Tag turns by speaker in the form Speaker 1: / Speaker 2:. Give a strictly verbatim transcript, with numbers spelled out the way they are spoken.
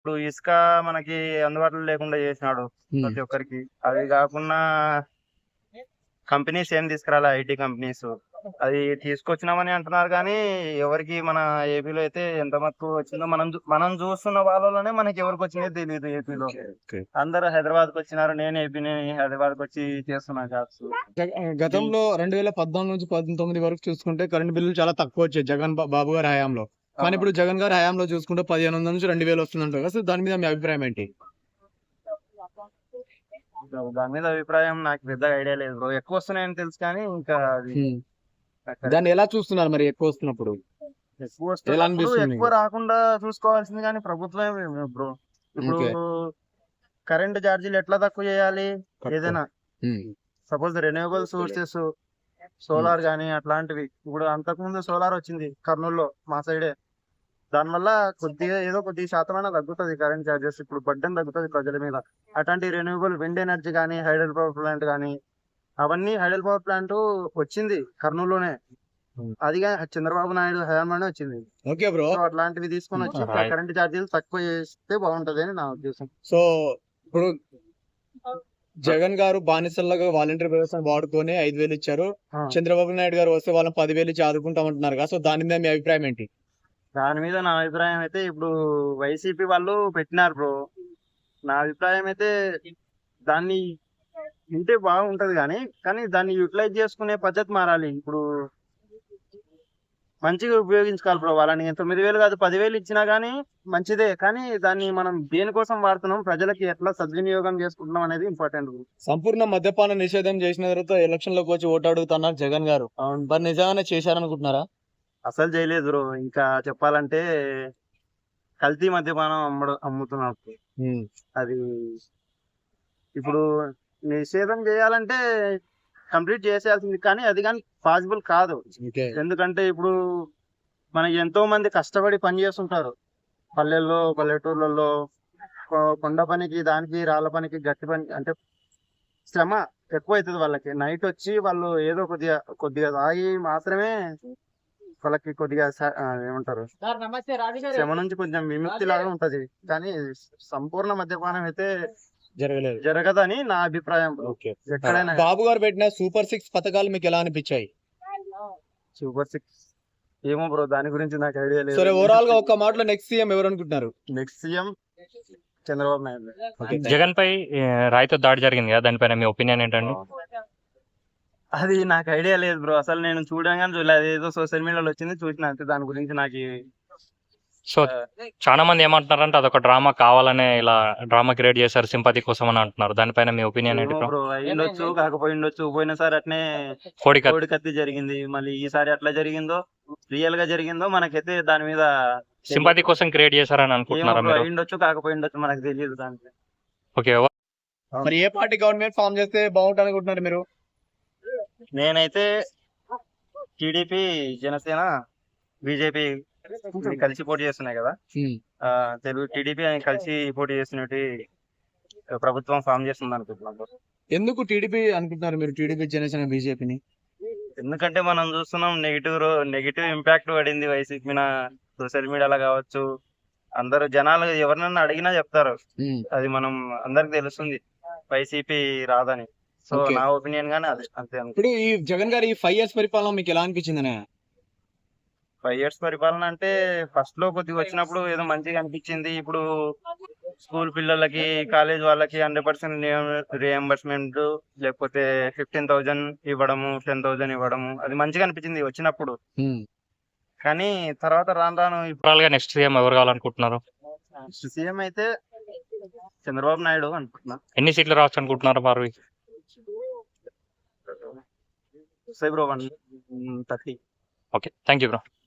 Speaker 1: ఇప్పుడు ఇసుక మనకి అందుబాటులో లేకుండా చేసినాడు
Speaker 2: ఉమ్,
Speaker 1: ప్రతి ఒక్కరికి. అది కాకుండా కంపెనీస్ ఏం తీసుకురాలే, ఐటీ కంపెనీస్. అది తీసుకొచ్చినామని అంటున్నారు కానీ ఎవరికి మన ఏపీలో అయితే ఎంత మటుకు వచ్చిందో మనం చూ- మనం చూస్తున్న వాళ్ళలోనే మనకి ఎవరికి వచ్చిందో తెలియదు ఏపీలో.
Speaker 2: Okay, okay.
Speaker 1: అందరూ హైదరాబాద్ కి వచ్చినారు, నేను ఏపీని హైదరాబాద్ కి వచ్చి చేస్తున్నా జాబ్స్.
Speaker 2: జగ- ఆ, గతంలో రెండు వేల పద్నాలుగు నుంచి పంతొమ్మిది వరకు చూసుకుంటే కరెంట్ బిల్లులు చాలా తక్కువ వచ్చాయి జగన్ బా- బాబు గారి హయాంలో. కానీ ఇప్పుడు జగన్ గారి హయాంలో చూసుకుంటే పదిహేను వందల నుంచి రెండు వేలు వస్తుందంటారు కదా. సో దాని మీద మీ అభిప్రాయం ఏంటి?
Speaker 1: దాని మీద అభిప్రాయం నాకు పెద్దగా ఐడియా లేదు బ్రో. ఎక్కువ వస్తున్నాయని తెలుసు కానీ ఇంకా అది
Speaker 2: ఉమ్. దాన్ని ఎలా చూస్తున్నారు మరి ఎక్కువ వస్తున్నప్పుడు?
Speaker 1: ఎక్కువ
Speaker 2: ఎలా
Speaker 1: వస్తున్నప్పుడు
Speaker 2: అనిపిస్తుంది
Speaker 1: ఎక్కువ
Speaker 2: మీకు?
Speaker 1: రాకుండా చూసుకోవాల్సింది కానీ ప్రభుత్వమే బ్రో. ఇప్పుడు
Speaker 2: ఓకే.
Speaker 1: కరెంట్ ఛార్జీలు ఎట్లా తక్కువ చేయాలి?
Speaker 2: తక్కువ.
Speaker 1: ఏదైనా
Speaker 2: um,
Speaker 1: suppose renewable sources,
Speaker 2: um,
Speaker 1: solar గానీ అట్లాంటివి. ఇప్పుడు అంతకుముందు సోలార్ వచ్చింది కర్నూలులో మా సైడే. దానివల్ల కొద్దిగా ఏదో కొద్ది శాతమైనా తగ్గుతుంది కరెంట్ ఛార్జెస్. ఇప్పుడు బడ్డెన్ తగ్గుతుంది ప్రజల మీద. అట్లాంటి రెన్యూవబుల్ విండ్ ఎనర్జీ కానీ, హైడల్ పవర్ ప్లాంట్ కానీ, అవన్నీ హైడల్ పవర్ ప్లాంట్ వచ్చింది కర్నూలులోనే.
Speaker 2: ఉమ్.
Speaker 1: అది గా- చంద్రబాబు నాయుడు హయాంలోనే వచ్చింది.
Speaker 2: Okay bro.
Speaker 1: సో అట్లాంటివి తీసుకొని వచ్చి
Speaker 3: Right.
Speaker 1: కరెంట్ ఛార్జీలు తక్కువ చేస్తే బాగుంటది అని నా ఉద్దేశం.
Speaker 2: సో ఇప్పుడు జగన్ గారు బానిసల్లాగా వాలంటీర్ వ్యవస్థను వాడుకొని ఐదు వేలు ఇచ్చారు.
Speaker 1: ఆ.
Speaker 2: చంద్రబాబు నాయుడు గారు వస్తే వాళ్ళని పదివేలు ఇచ్చి ఆదుకుంటామంటున్నారు కదా. సో దాని మీద మీ అభిప్రాయం ఏంటి?
Speaker 1: దాని మీద నా అభిప్రాయం అయితే ఇప్పుడు వైసీపీ వాళ్ళు పెట్టినారు బ్రో. నా అభిప్రాయం అయితే దాన్ని వింటే బాగుంటది కానీ కానీ దాన్ని యూటిలైజ్ చేసుకునే పద్ధతి మారాలి. ఇప్పుడు మంచిగా ఉపయోగించుకోవాలి బ్రో. వాళ్ళని తొమ్మిది వేలు కాదు పదివేలు ఇచ్చినా గానీ మంచిదే, కానీ దాన్ని మనం దేనికోసం వాడుతున్నాం, ప్రజలకి ఎట్లా సద్వినియోగం చేసుకుంటున్నాం అనేది ఇంపార్టెంట్.
Speaker 2: సంపూర్ణ మద్యపాన నిషేధం చేసిన తర్వాత ఎలక్షన్ లోకి వచ్చి ఓటు అడుగుతున్నారు జగన్ గారు. మరి నిజంగానే చేశారనుకుంటున్నారా?
Speaker 1: అసలు చేయలేదు బ్రో. ఇంకా చెప్పాలంటే కల్తీ మద్యపానం అమ్మడం అమ్ముతున్నారు.
Speaker 2: ఉమ్,
Speaker 1: అది ఇప్పుడు నిషేధం చేయాలంటే కంప్లీట్ చేసేయాల్సింది, కానీ అది కానీ పాసిబుల్ కాదు.
Speaker 2: ఓకే.
Speaker 1: ఎందుకంటే ఇప్పుడు మనకి ఎంతో మంది కష్టపడి పని చేస్తుంటారు పల్లెల్లో, పల్లెటూర్లలో. కొ- కొండ పనికి, దానికి, రాళ్ళ పనికి, గట్టి పని అంటే శ్రమ ఎక్కువ అవుతుంది వాళ్ళకి. నైట్ వచ్చి వాళ్ళు ఏదో కొద్దిగా కొద్దిగా తాగి మాత్రమే వాళ్ళకి కొద్దిగా స- ఆ, ఏమంటారు శ్రమ నుంచి కొంచెం విముక్తి లాగా ఉంటది. కానీ సంపూర్ణ మద్యపానం అయితే
Speaker 2: జరగలేదు.
Speaker 1: జరగదని నా అభిప్రాయం.
Speaker 2: ఓకే.
Speaker 1: ఎక్కడైనా
Speaker 2: బాబు గారు పెట్టిన సూపర్ సిక్స్ పథకాలు మీకు ఎలా అనిపించాయి?
Speaker 1: సూపర్ సిక్స్ ఏమో బ్రో, దాని గురించి నాకు ఐడియా లేదు.
Speaker 2: సరే, ఓవరాల్ గా ఒక్క మాటలో నెక్స్ట్ సీఎం ఎవరు అనుకుంటున్నారు?
Speaker 1: Next CM Chandrababu Naidu.
Speaker 2: Okay.
Speaker 3: Jagan పై ఏ, రాయితో దాడి జరిగింది కదా, దానిపైన మీ ఒపీనియన్ ఏంటండి?
Speaker 1: అది నాకు ఐడియా లేదు బ్రో. అసలు నేను చూడగానే చూడలేదు, ఏదో సోషల్ మీడియాలో వచ్చింది చూసిన అంతే. దాని గురించి నాకు
Speaker 3: సో చాలా మంది ఏమంటున్నారంటే అదొక డ్రామా, కావాలనే ఇలా డ్రామా క్రియేట్ చేశారు సింపతి కోసం అని అంటున్నారు. దానిపైన మీ ఒపీనియన్ ఏంటి బ్రో?
Speaker 1: బ్రో అయ్యిండొచ్చు, కాకపోయిండొచ్చు. పోయినసారి అట్నే
Speaker 3: కోడి కత్తి.
Speaker 1: కోడి కత్తి జరిగింది, మళ్ళీ ఈసారి అట్లా జరిగిందో రియల్ గా జరిగిందో మనకైతే దాని మీద
Speaker 3: సింపతి కోసం క్రియేట్ చేశారని
Speaker 1: ఏమో
Speaker 3: అనుకుంటున్నారా
Speaker 1: బ్రో,
Speaker 3: మీరు?
Speaker 1: అయ్యిండొచ్చు కాకపోయిండొచ్చు, మనకు తెలియదు దానికి.
Speaker 3: ఓకే.
Speaker 2: మరి ఏ పార్టీ గవర్నమెంట్ ఫామ్ చేస్తే బాగుంటుంది అనుకుంటున్నారు మీరు?
Speaker 1: నేనైతే టీడీపీ, జనసేన, బీజేపీ కలిసి పోటీ చేస్తున్నాయి కదా.
Speaker 2: ఉమ్,
Speaker 1: ఆ, తెలుగు టీడీపీ కలిసి పోటీ చేస్తున్నట్టు ప్రభుత్వం ఫామ్ చేస్తుంది అనుకుంటున్నాను.
Speaker 2: ఎందుకు టీడీపీ అనుకుంటున్నారు మీరు? టీడీపీ, జనసేన, బీజేపీని?
Speaker 1: ఎందుకంటే మనం చూస్తున్నాం నెగిటివ్ నెగిటివ్ ఇంపాక్ట్ పడింది వైసీపీ మీద సోషల్ మీడియాలో కావచ్చు. అందరు జనాలు ఎవరినన్నా అడిగినా చెప్తారు,
Speaker 2: ఉమ్,
Speaker 1: అది మనం అందరికి తెలుస్తుంది వైసీపీ రాదని. So
Speaker 2: Okay.
Speaker 1: నా ఒపీనియన్ గానే అది అంతే.
Speaker 2: ఇప్పుడు ఈ జగన్ గారి ఫైవ్ ఇయర్స్ పరిపాలన మీకు ఎలా అనిపించింది?
Speaker 1: ఫైవ్ ఇయర్స్ పరిపాలన అంటే ఫస్ట్ లో కొద్దిగా వచ్చినప్పుడు ఏదో మంచిగా అనిపించింది. ఇప్పుడు స్కూల్ పిల్లలకి, కాలేజ్ వాళ్ళకి హండ్రెడ్ పర్సెంట్ రియంబర్స్మెంట్, లేకపోతే ఫిఫ్టీన్ థౌజండ్ ఇవ్వడము, టెన్ థౌజండ్ ఇవ్వడము, అది మంచిగా అనిపించింది వచ్చినప్పుడు. కానీ తర్వాత రాను రాను
Speaker 3: ఓవరాల్ గా నెక్స్ట్ సీఎం ఎవరు కావాలనుకుంటున్నారు?
Speaker 1: సీఎం అయితే చంద్రబాబు నాయుడు అనుకుంటున్నా.
Speaker 3: ఎన్ని సీట్లు రావచ్చు అనుకుంటున్నారు మరి?
Speaker 1: సై bro one thirty.
Speaker 3: Okay, thank you bro.